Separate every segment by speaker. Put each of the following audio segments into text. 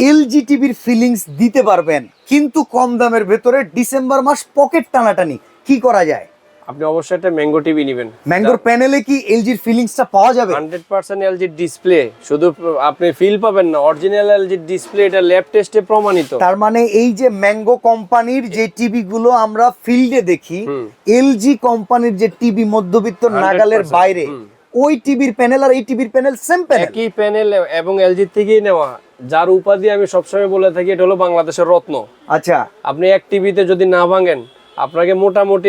Speaker 1: LG টিভির feelings দিতে পারবেন কিন্তু কম দামের ভেতরে ডিসেম্বর মাস পকেট টানাটানি কি করা যায়?
Speaker 2: আপনি অবশ্যই একটা ম্যাঙ্গো টিভি নেবেন।
Speaker 1: ম্যাঙ্গোর প্যানেলে কি এলজির ফিলিংসটা পাওয়া যাবে?
Speaker 2: 100% এলজি ডিসপ্লে, শুধু আপনি ফিল পাবেন না, অরিজিনাল এলজি ডিসপ্লে, এটা ল্যাব টেস্টে প্রমাণিত।
Speaker 1: তার মানে এই যে ম্যাঙ্গো কোম্পানির যে টিভি গুলো আমরা ফিল্ডে দেখি, এলজি কোম্পানির যে টিভি মধ্যবিত্ত নাগালের বাইরে, ওই টিভির প্যানেল আর এই টিভির প্যানেল সেম প্যানেল,
Speaker 2: একই প্যানেল এবং এলজি থেকেই নেওয়া। যার উপাধি আমি সবসময় বলে থাকি, এটা হলো বাংলাদেশের রত্ন।
Speaker 1: আচ্ছা,
Speaker 2: আপনি এক টিভিতে যদি না ভাঙেন, আপনাকে মোটামুটি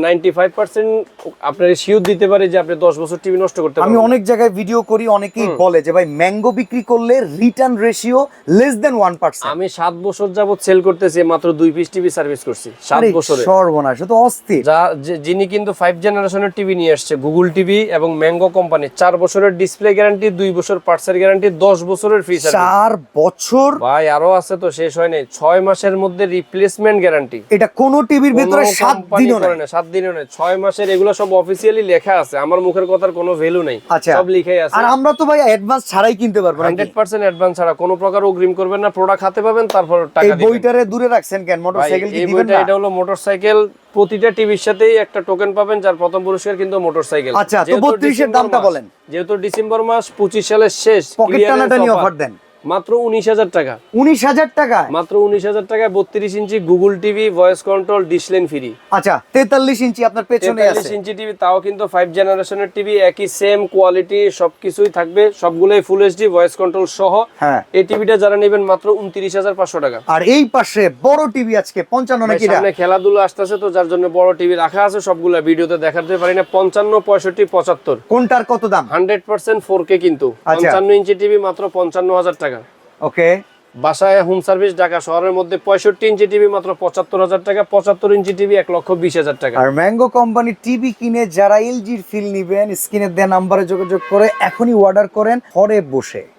Speaker 2: 95% আপনার শিওর দিতে পারে যে আপনি 10 বছর টিভি নষ্ট করতে পারবেন।
Speaker 1: আমি অনেক জায়গায় ভিডিও করি, অনেকেই বলে যে ভাই ম্যাঙ্গো বিক্রি করলে রিটার্ন রেশিও লেস দেন 1%।
Speaker 2: আমি 7 বছর যাবত সেল করতেছি, মাত্র 2 পিস টিভি সার্ভিস করছি 7 বছরে।
Speaker 1: সর্বনাশ, তো অস্থির।
Speaker 2: যিনি কিন্তু 5 জেনারেশনের টিভি নিয়ে আসছে, গুগল টিভি এবং ম্যাঙ্গো কোম্পানি, 4 বছরের ডিসপ্লে গ্যারান্টি, 2 বছর পার্টসের গ্যারান্টি, 10 বছরের ফ্রি সার্ভিস।
Speaker 1: 4 বছর
Speaker 2: ভাই, আরো আছে তো, শেষ হয় নাই। 6 মাসের মধ্যে রিপ্লেসমেন্ট গ্যারান্টি।
Speaker 1: এটা কোন টিভির ভিতরে 7 দিনও না,
Speaker 2: 7 দিনও না, 6 মাসের। এগুলো সব অফিশিয়ালি লেখা আছে, আমার মুখের কথার কোনো ভ্যালু নাই।
Speaker 1: আচ্ছা,
Speaker 2: সব লিখাই আছে।
Speaker 1: আর আমরা তো ভাই অ্যাডভান্স ছাড়াই কিনতে পারবো না?
Speaker 2: 100% অ্যাডভান্স ছাড়া, কোনো প্রকার অগ্রিম করবেন না, প্রোডাক্ট হাতে পাবেন, তারপর টাকা দিবেন।
Speaker 1: এই বইটারে দূরে রাখছেন কেন? মোটরসাইকেল কি দিবেন না?
Speaker 2: এটা হলো মোটরসাইকেল। প্রতিটা টিভির সাথেই একটা টোকেন পাবেন, যার প্রথম পুরস্কার কিন্তু মোটরসাইকেল।
Speaker 1: আচ্ছা, তো 32 এর দামটা বলেন।
Speaker 2: যেহেতু ডিসেম্বর মাস 25 সালের শেষ,
Speaker 1: পকেট টানাটানি অফার দেন
Speaker 2: মাত্র 19,000 টাকা।
Speaker 1: 19,000 টাকা?
Speaker 2: মাত্র 19,000 টাকায় 32 inch Google TV, voice control, dish line free.
Speaker 1: আচ্ছা, 43 ইঞ্চি আপনার পেছনে আছে।
Speaker 2: 43 ইঞ্চি টিভি, তাও কিন্তু 5 জেনারেশনের টিভি, একই সেম কোয়ালিটি, সবকিছুই থাকবে, সবগুলোই ফুল এইচডি, ভয়েস কন্ট্রোল সহ।
Speaker 1: হ্যাঁ,
Speaker 2: এই টিভিটা যারা নেবেন মাত্র 29,500 টাকা।
Speaker 1: আর এই পাশে বড় টিভি আজকে 55 নাকি?
Speaker 2: সামনে খেলাধুলা আসতেছে তো, যার জন্য বড় টিভি রাখা আছে, সবগুলা ভিডিওতে দেখাতে পারি না। 55, 65, 75
Speaker 1: কোনটার কত দাম?
Speaker 2: 100% 4K কিন্তু। 55 ইঞ্চি টিভি মাত্র 55,000 টাকা।
Speaker 1: ওকে।
Speaker 2: বাসায় হোম সার্ভিস ঢাকা শহরের মধ্যে 65 ইঞ্চি টিভি মাত্র 75,000 টাকা। 75 ইঞ্চি টিভি 1,20,000 টাকা।
Speaker 1: আর ম্যাঙ্গো কোম্পানির টিভি কিনে যারা এলজির ফিল নিবেন, স্ক্রিনে দেওয়া নাম্বারে যোগাযোগ করে এখনই অর্ডার করেন ঘরে বসে।